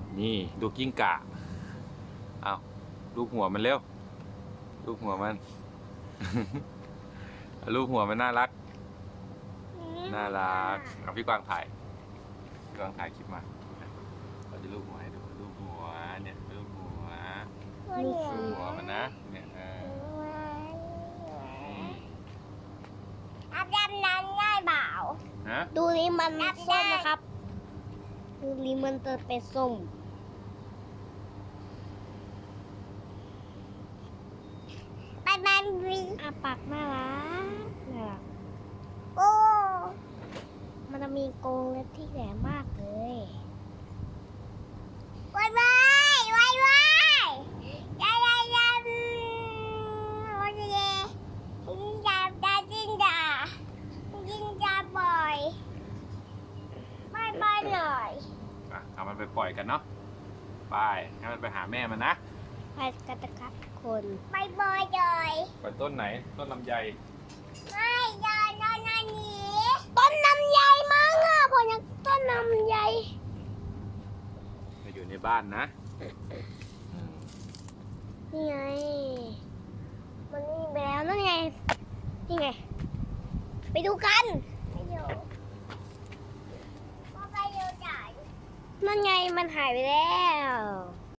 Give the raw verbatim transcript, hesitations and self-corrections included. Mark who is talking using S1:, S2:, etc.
S1: นี่ดูกิ้งก่าเอาลูกหัวมันเร็วลูกหัวมัน ลูกหัวมันน่ารักน่ารักเอาพี่กวางถ่ายพี่กวางถ่ายคลิปมาเราจะลูกหัวให้ดูลูกหัวเนี่ยลูกหัวลูกหัวมันนะเนี่ยเออ
S2: อาบน้ำน้ำง่ายเปล่า
S1: ฮะ
S2: ดูนี่มันส้มนะครับดูนี่มันจะเป็นส้มไปมันวีอาปากน่ารักน่ารักโอ้มันจะมีกรงเล็บที่แหลมมากเลยไว้ไว้ไว้ไว้ยายายายโอ้ยเย่จิงจาดาจิงดาจิงจาบ่อยบายบายหน่อย
S1: อ่ะเอามันไปปล่อยกันเนาะไปให้มันไปหาแม่มันนะ
S2: ไปกันนะครับทุกคนบายบายเลย
S1: ไปต้นไหนต้นลำไย
S2: ไม่ยายนอนนอนนี้ต้นลำไยมั้งอ่ะพอยังต้นลำไย
S1: มาอยู่ในบ้านนะ
S2: นี่ไงมันนี่ไปแล้วนั่นไงนี่ไงไปดูกันไปดูว่าไปดูจ่ายนั่นไงมันหายไปแล้ว